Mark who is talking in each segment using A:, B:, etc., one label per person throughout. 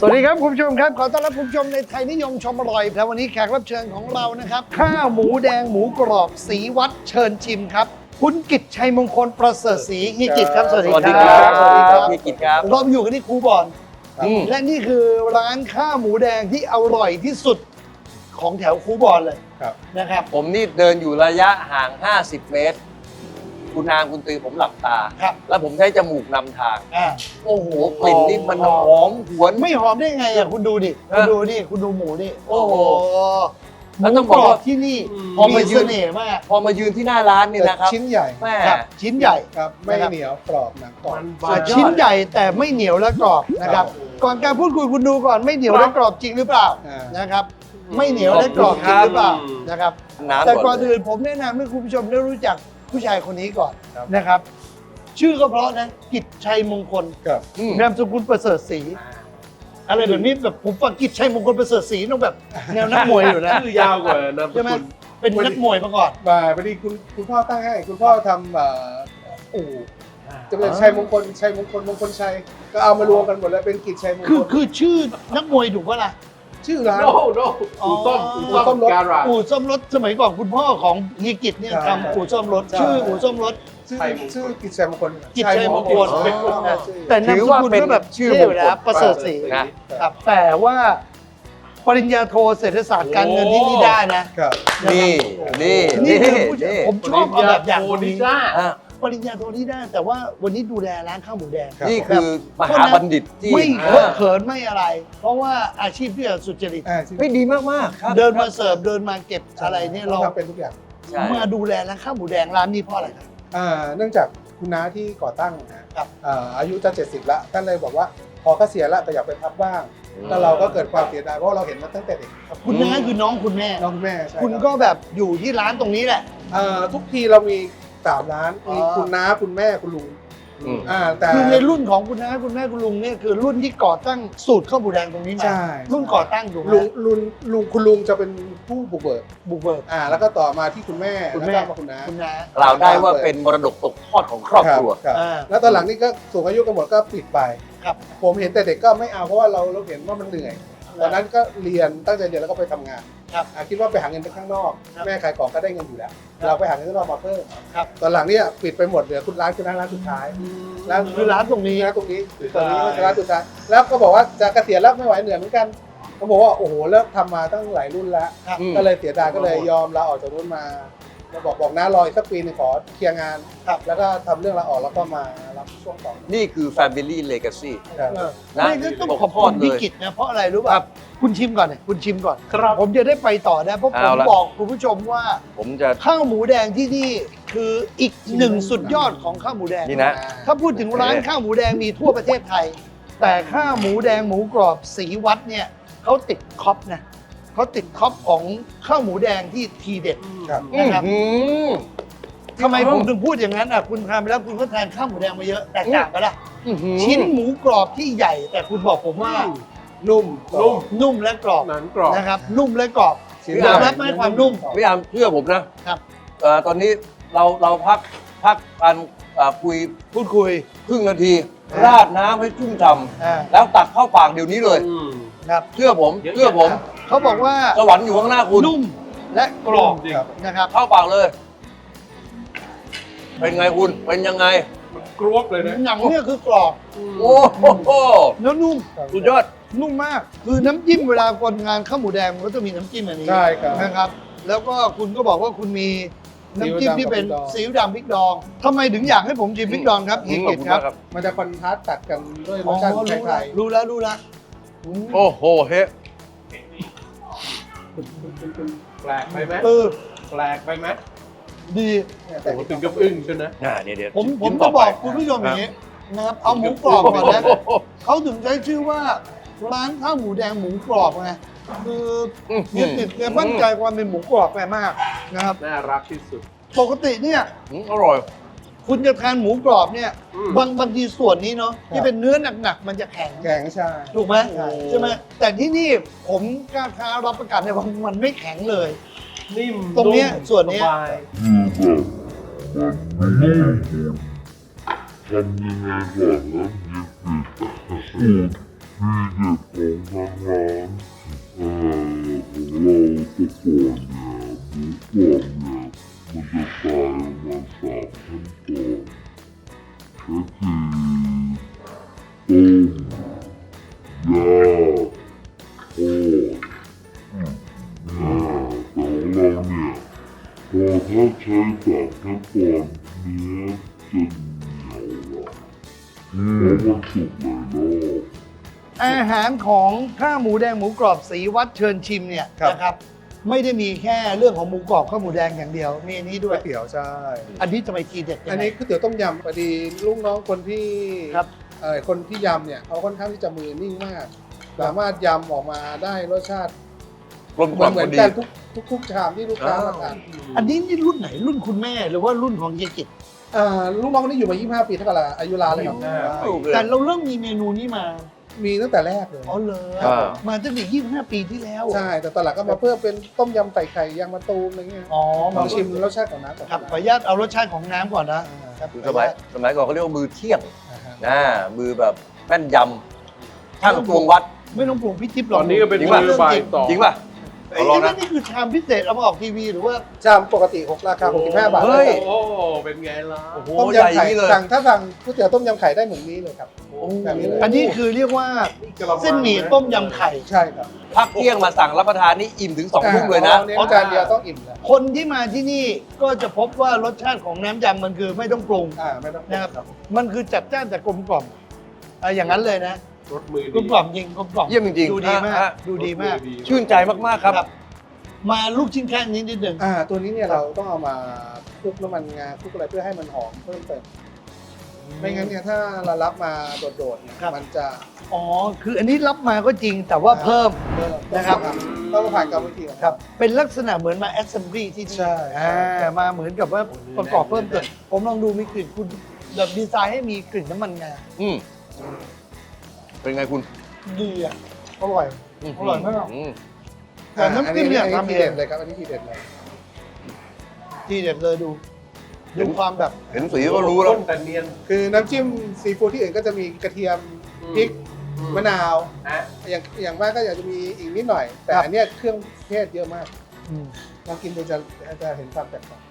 A: สวัสดีครับคุณผู้ชมครับขอต้อนรับคุณผู้ชมในไทยนิยมชมอร่อยและวันนี้แขกรับเชิญของเรานะครับข้าวหมูแดงหมูกรอบศรีวัดเชิญชิมครับคุณกิตชัยมงคลประเสริฐศรีเฮียกิตครับสวัสดีครับ
B: สวัสดีครับเฮียกิตครับ
A: เราอยู่กันที่คูบอนและนี่คือร้านข้าวหมูแดงที่อร่อยที่สุดของแถวคูบอนเลยนะครับ
B: ผมนี่เดินอยู่ระยะห่าง 50 เมตร คุณนางคุณตือผมหลับตา แล้วผมใช้จมูกนำทาง โอ้โหกลิ่นนี่มันหอมหวน
A: ไม่หอมได้ไงอ่ะคุณดูดิคุณดูนี่คุณดูหมูนี่โอ้โห
B: แล้วต้องบอกว่า
A: ที่นี่
B: พอมายื
A: เส
B: น
A: น่ห์มาก
B: พอมายืนที่หน้าร้านนี่นะครับ
C: ชิ้นใหญ่
B: แม่
A: ครับชิ้นใหญ่
C: ครับไม่เหนียวกรอบหนังกรอบ
A: ชิ้นใหญ่แต่ไม่เหนียวและกรอบนะครับ ก่อนการพูดคุยคุณดูก่อนไม่เหนียวและกรอบจริงหรือเปล่านะครับ ไม่เหนียวและกรอบจริงหรือเปล่านะครับ
B: น้ำ
A: แต่ก่
B: ก่
A: อ
B: อน น
A: อื่นผมแนะนำให้คุณผู้ชมได้รู้จักผู้ชายคนนี้ก่อนนะครับ ชื่อก็เพราะนะกิตชัยมงคล
C: ครับ
A: นามสกุลประเสริฐศรีอะไรแบบนี้แบบผมฟังกิตชัยมงคลประเสริฐศรีต้องแบบแนวนักมวยอยู่นะ
D: ชื่อยาวกว่านามส
A: ใช่ไหม
D: กุล
A: เป็นนักมวยมาก่อน
C: มาพอดีคุณพ่อตั้งให้คุณพ่อทำอู่จะเป็นชัยมงคลมงคลชัยก็เอามารวมกันหมดแล้วเป็นกิจชัยมงคล
A: คือชื่อนักมวยถูกปะล่ะ
C: ชื่อร้าน
D: โน้อู่ต้ม
C: อู่ต้มรถ
D: การาจ
A: อู่ซ่อมรถสมัยก่อนคุณพ่อของเฮียกิตเนี่ย
C: ใช่
A: ทำอู่ซ่อมรถ
C: ใช่
A: ชื่ออู่ซ่อมรถ
C: ชื่อกิจชัยมงคล
A: กิจชัยมงคล
C: ชัยมงคล
A: แต่นามสกุลก็แบบชื่อเลยนะประเสริฐศรี
B: นะครับ
A: แต่ว่าปริญญาโทเศรษฐศาสตร์การเงินที่นี่ได้นะครับ
B: นี่นี่
A: นี่
B: นี่
A: คือผู้ชายผมชอบเอาแบบอย่าง
D: โอ
A: คน
D: นิ
A: นี้
D: ซ่า
B: อ่ะ
A: ปริญญาโทที่ได้ แต่ว่าวันนี้ดูแลร้านข้าวหมูแดง
B: นี่คือมหาบัณฑิตที่
A: ไม่เคอะเขินไม่อะไร เพราะว่าอาชีพที่สุจริต
B: ไม่ดีมากๆครับ
A: เดินมาเสิร์ฟเดินมาเก็บอะไรเนี่ย
C: เรา
A: เรา
C: ทำเป็นทุกอย่าง
B: ใช่
A: มาดูแลร้านข้าวหมูแดงร้านนี้เพราะอะไรครับ
C: เนื่องจากคุณน้าที่ก่อตั้งนะครับอายุจะ70ละท่านเลยบอกว่าพอเกษียณละแต่อยากไปพักบ้างแล้วเราก็เกิดความเสียดายเพราะเราเห็นมาตั้งแต่เด็ก
A: คุณน้าคือน้องคุณแม่
C: น้องแม่ใช่
A: คุณก็แบบอยู่ที่ร้านตรงนี้แหละ
C: ทุกทีเรามี3ร้านมีคุณน้าคุณแม่คุณลุง
B: อืม
C: แต่
A: คือในรุ่นของคุณน้าคุณแม่คุณลุงเนี่ยคือรุ่นที่ก่อตั้งสูตรข้าวหมูแดงตรงนี้มา
C: ใช่
A: รุ่นก่อตั้งถูกไหม
C: คุณลุงจะเป็นผู้บุกเบิก
A: บุกเบิก
C: แล้วก็ต่อมาที่คุณแม่
A: คุณแม่
C: แล้วก็มาคุณน้า
A: คุณน้า
B: กล่าวได้ว่าเป็นมรดกตกทอดของครอบครัว
C: ครับ
A: อ่า
C: แล้วตอนหลังนี่ก็สูงอายุกันหมดก็ปิดไป
A: ครับ
C: ผมเห็นแต่เด็กก็ไม่เอาเพราะว่าเราเห็นว่ามันเหนื่อยตอนนั้นก็เรียนตั้งใจเรียนแล้วก็ไปทำงาน
A: ครับ
C: คิดว่าไปหาเงินไปข้างนอก
A: ครับ
C: แม่ขายของก็ได้เงินอยู่แล้ว
A: ครับ
C: เราไปหาเงินข้างนอกมาเพิ่ม
A: ครับ
C: ตอนหลังเนี่ยปิดไปหมดเหลือคุณร้านคุณน้าร้านสุดท้าย ร้าน
A: คือร้านตรงนี้
C: ตรงนี้ร้านสุดท้ายแล้วก็บอกว่าจะเกษียณแล้วไม่ไหวเหนื่อยเหมือนกันเขาบอกว่าโอ้โหเลิกทำมาตั้งหลายรุ่นแล้ว
A: ครับ
B: อืม
C: ก็เลยเสียดายก็เลยยอมลาออกจากรุ่นมาแล้วบอกน้ารออีกสักปีหนึงขอเคลียร์งาน
A: ครับ
C: แล้วก็ทำเรื่องลาออกแล้วก็มารับช่วงต่อ
B: นี่คือ Family Legacy
C: ครับ
A: เออ
B: นะ
A: ไม่ก็ต้อง
B: ตก
A: ขอบ
B: ทอ
A: คุ
B: ด
A: ณ
B: เลย
A: พี่กิตนะเพราะอะไรรู้ป่ะคุณชิมก่อนเนี่ยคุณชิมก่อน
D: ครับ
A: ผมจะได้ไปต่อนะเพราะผม
B: เอาละ
A: บอกคุณผู้ชมว่า
B: ผมจะ
A: ข้าวหมูแดงที่นี่คืออีกหนึ่งสุดยอดของข้าวหมูแดง
B: นี่นะ
A: ถ้าพูดถึงร้านข้าวหมูแดงมีทั่วประเทศไทย แต่ข้าวหมูแดงหมูกรอบศรีวัดเนี่ยเขาติดท็อปนะเขาติดท็อปของข้าวหมูแดงที่ทีเด็ด
C: ครับ
A: นะครับ
B: อืม
A: ทำไมผมถึงพูดอย่างนั้นอ่ะคุณทานไปแล้วคุณก็ทานข้าวหมูแดงมาเยอะแตกต่างกันละ
B: อื้อหือ
A: ชิ้นหมูกรอบที่ใหญ่ แต่คุณบอกผมว่า
C: นุ่ม
A: นุ่มและกรอบ
D: หนังกรอบ
A: นะครับ นุ่มและกรอบ
C: ชิ้น
A: ยอมรับไหมความนุ่ม
B: พี่อามเชื่อผมนะครับ ตอนนี้เราพักการคุย
A: พูดคุย
B: ครึ่งนาที
A: อ่า
B: ราดน้ำให้ชุ่มฉ่
A: อ่า
B: ำแล้วตักเข้าปากเดี๋ยวนี้เลย
A: ครับ
B: เชื่อผม
D: เยอะ
B: เชื่อผม
A: เขาบอกว่า
B: สวรรค์อยู่ข้างหน้าคุณ
A: นุ่มและกรอบ
D: จริง
A: นะครับ
B: เข้าปากเลย เป็นไงคุณเป็นยังไง
D: มันกรวบเลยนะ
A: หนังเนี่ยคือกรอบ
B: โอ้โห
A: แล้วนุ่ม
B: สุดยอด
A: นุ่มมาก คือน้ำจิ้มเวลาคนงานข้าวหมูแดงมันก็จะมีน้ำจิ้มอันนี้
C: ใช่ครับ
A: นะครับ แล้วก็คุณก็บอกว่าคุณมีน้ำจิ้มที่เป็นซีอิ๊วดำพริกดองทำไมถึงอยากให้ผมชิมพริกดองครับเฮีย
B: ขอบ
A: กิต
B: คุณ
A: ครั
B: มา
A: บ
B: กครับ
C: มันจะคอนทราสต์ตัดกันด้วยร
A: อ๋อ
C: สชาติ
A: รู้
C: ไท
A: แล้ว
C: ย
A: รู้แล้วรู้แล้ว
B: โอ้โหเฮ้
D: แปลกไปไหม
A: เออ
D: แปลกไปไหม
A: ดี
C: แต่
D: โอ้โหถึงกับอึ้งใช่ไหม
B: เดี๋ยว
A: ผม
B: ชิ
A: จะ
B: ต่
A: บอก
B: ไป
A: คุณผู้ชมอย่างนี้นะครับ เอาหมูกรอบก่อนนะ
B: โโห
A: เขาถึงใช้ชื่อว่าร้านข้าวหมูแดงหมูกรอบไงคือเนี่ยติดแกมั่นใจความเป็นหมูกรอบแกมากนะครับ
D: น่ารักที่สุด
A: ปกติเนี่ย
B: อร่อย
A: คุณจะทานหมูกรอบเนี่ย
D: อืม
A: บางทีส่วนนี้เนาะที่เป็นเนื้อหนักๆมันจะแข็ง
C: แกงใช่
A: ถูกไหม
C: ใช่
A: ใช่ไหมแต่ที่นี่ผมกล้าท้ารับประกันเลยว่ามันไม่แข็งเลย
D: นิ่ม
A: ตรงเนี้ย
D: ม
A: ส่วนเนี้ย
D: สบาย
E: ทำยังไงก่อนแล้วเนี่ยคือที่เด็ดของทางร้านของเราแต่ก่อนเนี่ยหมูกรอบเนี่ยมันจะตายออกมา3 ขั้นตอนคือแต่ของเราเนี่ยพอถ้าใช้3 ขั้นตอนเนื้อจะเหนียวละเพราะมันสุกหลายรอบ
A: อาหารของข้าวหมูแดงหมูกรอบสีวัดเชิญชิมเนี่ย
C: ครับ
A: นะครับไม่ได้มีแค่เรื่องของหมูกรอบข้าวหมูแดงอย่างเดียวมีอันนี้ด้
C: ก๋
A: ว
C: วย ยเตี๋ยวใช่
A: อันนี้ทำไมทีเด็ดยังไง
C: อันนี้ก๋วยเตี๋ยวต้มยำพอดีลูกน้องคนที่
A: ครับ
C: คนที่ยำเนี่ยเขาค่อนข้างที่จะมือนิ่งมาก สามารถยำออกมาได้รสชาติ
B: กลมกล่อม
C: เหมื
B: พ
C: อน
B: อดี
C: กันทุกชามที่ลูกค้ามาทาน
A: อันนี้นี่รุ่นไหนรุ่นคุณแม่หรือว่ารุ่นของเฮียกิจ
C: ลูกน้องคนนี้อยู่มา 25 ปีเท่ากับอายุร้านเลยครับ
A: แต่เราเริ่มมีเมนูนี้มา
C: มีตั้งแต่แรกเลย
A: อ๋อเลย
B: อ่า
A: มาตั้งแต่25 ปีที่แล้ว
C: ใช่ แต่ตอนหลังก็มาเพิ่มเป็นต้มยำใส่ไข่ยางมะตูมอะไรเงี้ย
A: อ๋อ
C: ลองชิมรสชาติของน้ำก่อน
A: ครับขออนุญาตเอารสชาติของน้ำก่อนนะครับ
B: คือสมัยก่อนเขาเรียกว่ามือเที่ยง
C: อ่าฮะ
B: มือแบบแม่นยำช่างตวงวัด
A: ไม่ต้องปรุงพี่ทิพย์ล
D: ต
A: อง
D: อนนี้ก็เป็น
B: จริง
D: มื
B: ป่ะ
D: อบ่ายต่อ
B: จริงป่ะ
A: ไอ้
B: เอาลองนะ
A: นี่คือชามพิเศษเอามาออกทีวีหรือว่า
C: ชามปกติราคา65 บาท
B: เฮ้ย
D: โอ้เป็นไงล่ะ
B: โอ้โห
C: ต้ม
B: ใหญ่
C: ยำไข่
B: นี่เลย
C: ถ้าสั่งก๋วยเตี๋ยวต้มยำไข่ได้เหมือนนี้เลยครับ แบบนี้เลย
A: อันนี้คือเรียกว่าเส้นหมี่ต้มยำไข่
C: ใช่ครับ
B: พักเที่ยงมาสั่งรับประทานนี่อิ่มถึง2 ทุ่มเลยนะ
C: เน้นจานเดียวต้องอิ่มแล้ว
A: คนที่มาที่นี่ก็จะพบว่ารสชาติของน้ำยำมันคือไม่ต้องปรุง
C: ไม่ต้อง
A: นะครับ มันคือจัดจ้านแต่กลมกล่อมอย่างนั้นเลยนะ
D: รถมือก
A: ลมกล่อมจริงกลมกล่อม
B: เยี่ยมจริงๆ
A: ดูดีมาก
B: ฮะ
A: ดูดีมาก
B: ชื่นใจมากๆครับ
A: มาลูกชิ้นแค่นี้นิดหนึ่ง
C: ตัวนี้เนี่ยเราต้องเอามาคลุกน้ำมันงาคลุกอะไรเพื่อให้มันหอมเพิ่มเติมไม่งั้นเนี่ยถ้าเรารับมาโดดๆเนี่ยมันจะ
A: อ๋อคืออันนี้รับมาก็จริงแต่ว่าเพิ่ม นะครับ
C: ต้องผ่านกรรมวิธีของ
A: ครั
C: เรา
A: บเป็นลักษณะเหมือนมาแอสเซมบลีที่นี่
C: ใช่
A: มาเหมือนกับว่าประกอบเพิ่มเติมผมลองดูมีกลิ่นคุณแบบดีไซน์ให้มีกลิ่นน้ำมันงา
B: อืมเป็นไงคุณ
A: ดีอ่ะอร่อย อร่อยมาก
B: อืม
A: แต่น้ำจิ้มเนี่ย
C: อั
A: ทำ
C: ที
A: เอ
C: เด็
A: ง
C: ดเลยครับอันนี้ทีเด็ดเลย
A: ทีเด็ดเลยดูความแบบ
B: เห็นสีก็รู้แล้ว
D: แต่เนียน
C: คือน้ำจิ้มซีฟู้ดที่อื่นก็จะมีกระเทียมพริกมะนาว
D: นะ
C: อย่างมากก็อยากจะมีอีกนิดหน่อย แต่อันเนี้ยเครื่องเทศเยอะมากลองกินดูจะเห็นความแตกต่าง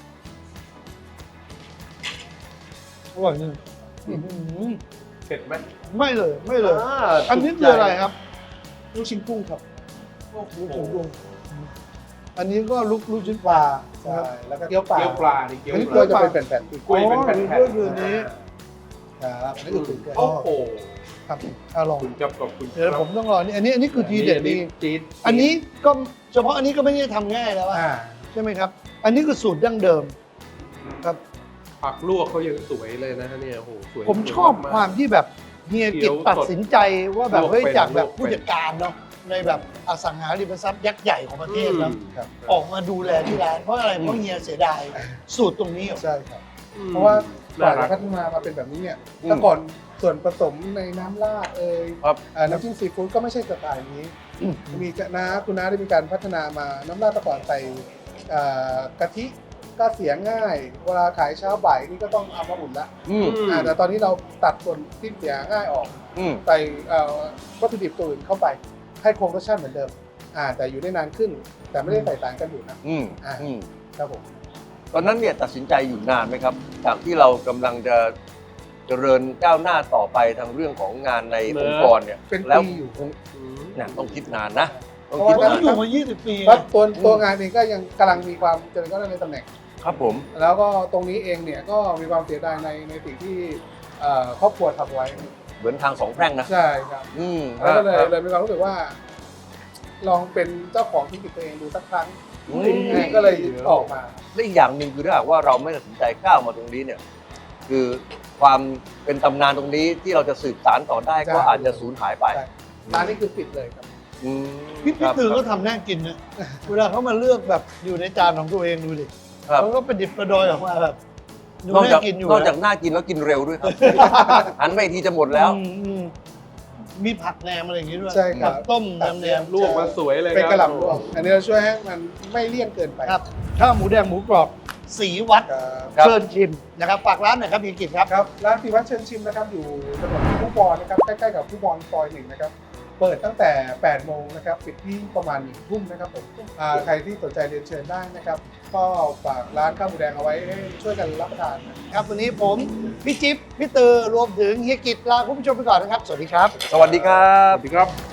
A: อร่อยจริง
D: เผ็ดไหม
A: ไม่เลยไม่เลย อันนี้คืออะไรครับ
C: ลูกชิ้นกุ้งครับ
A: ลูกชิ้นกุ้งอันนี้ก็ลูกชิ้นปลา
C: ใช่แล้วก็เกี๊ยวปลา
D: เกี๊ยวปลาดิเกี๊ยว
C: อันนี้
D: ป
C: กล้วย
D: ลา
C: จะเป็นแผ่นๆอีก
D: กล้วยเป็นแผ่น
A: อ๋อนี่ก็คือนี้
C: ครับอันนี้คือตุ๋นกล้วย
D: โอ้โห
A: ครับลอง
D: คุณกับขอบคุณ
A: เดี๋ยวผมต้องรอนี่อันนี้คือทีเด็ดดี
D: จี๊ด
A: อันนี้ก็เฉพาะอันนี้ก็ไม่ได้ทำง่ายแล้วอะ
C: อ่า
A: ใช่ไหมครับ อันนี้คือสูตรดั้งเดิมครับ
D: ผักลวกเขายังสวยเลยนะเนี่ยโอ้โหสวย
A: ผมชอบความที่แบบเฮียกิจตัดสินใจว่าแบบเฮ้ยจากแบบผู้จัดการเนาะในแบบอสังหาริมทรัพย์ยักษ์ใหญ่ของประเทศเนาะ
C: ครับ
A: ออกมาดูแลที่ร้านเพราะอะไรเพราะเฮียเสียดายสูตรตรงนี้เหรอ
C: ใช่ครับ เพราะว่าก่อนจะพัฒนามาเป็นแบบนี้เนี่ยแต่ก่อนส่วนผสมในน้ำราด
B: ครับ
C: น้ำจิ้มซีฟู้ดก็ไม่ใช่สไตล์นี้มีคุณน้าได้มีการพัฒนามาน้ำราดแต่ก่อนใส่กะทิก็เสียง่าย เวลาขายเช้าบ่ายนี่ก็ต้องเอามาอุ่นละ
B: อืม
C: แต่ตอนนี้เราตัดส่วนที่เสียง่ายออก
B: อืม
C: ใส่วัตถุดิบตัวอื่นเข้าไป ให้คงรสชาติเหมือนเดิมแต่อยู่ได้นานขึ้น แต่ไม่ได้ใส่สารกันบูดนะ
B: อืม
C: อ่า
B: อืม
C: ครับผม
B: ตอนนั้นเนี่ยตัดสินใจอยู่นานไหมครับ จากที่เรากำลังจะเจริญก้าวหน้าต่อไปทางเรื่องของงานในองค์กรเนี่ย
C: เป็น
B: แล้ว
C: ปีอยู่
B: เนี่ยต้องคิดนานนะต้อง
C: เพ
B: คิด
C: ราะว่า
B: นาน
A: อยู่มา 20 ปี
C: เพราะตัวงานเองก็ยังกำลังมีความเจริญก้าวหน้าในตำแหน่ง
B: ครับผม
C: แล้วก็ตรงนี้เองเนี่ยก็มีความเสียดายในสิ่งที่ครอบครัวทำไว้
B: เหมือนทางสองแพร่งนะ
C: ใช่ครับ
B: อืม
C: แล้วก็เลย
B: ครับ
C: เลยมีความรู้สึกว่า ลองเป็นเจ้าของธุรกิจตัวเองดูสักครั้ง
B: อืม
C: ก็เลยออกมา
B: และอีกอย่างหนึ่งคือถ้าหากว่าเราไม่ตัดสินใจก้าวมาตรงนี้เนี่ย คือความเป็นตำนานตรงนี้ที่เราจะสืบสานต่อได้ก็อาจจะสูญหายไป
C: ใช่ร้านนี้คือปิดเลยครับ
B: อืม
A: พี่
B: ครับ
A: ตือก็ทำน่ากินนะเวลาเขามาเลือกแบบอยู่ในจานของตัวเองดูดิ
B: ครับ
A: เขาก็ประดิษฐ์ประดอยออกมาแบบดู
B: นอกจา
A: น่าก กินอยู่
B: นอกจากน่ากินแล้วกินเร็วด้วยครับ หันไปอีกทีจะหมดแล้ว
A: อืมมีผักแหนมอะไรอย่างงี้ด้วย
C: ใช่ครับ
A: ผักต้มน้ำแหนม
D: ลวกมาสวยเลย
C: เป็น
D: ค
C: กระห
D: รับ
C: ล่ำรวมอันนี้เราช่วยให้มันไม่เลี่ยนเกินไป
A: ครับข้าวหมูแดงหมูกรอบศรีวัด
B: ครับ
A: เชิญชิมนะครับฝากร้านหน่อยครับเฮียกิจครับ
C: ครับร้านศรีวัดเชิญชิมนะครับอยู่ถนนผู้บอลนะครับใกล้ๆกับผู้บอลซอย1นะครับเปิดตั้งแต่ 8 โมงนะครับปิดที่ประมาณ1 ทุ่มนะครับผมใครที่สนใจเรียนเชิญได้นะครับก็ฝากร้านข้าวหมูแดงเอาไว้ให้ช่วยกันรับประทานนะครับ
A: วันนี้ผมพี่จิ๊บพี่ตือรวมถึงเฮียกิจลาคุณผู้ชมไปก่อนนะครับสวัสดีครับ
B: สวัสดีครับ
D: สวัสดีครับ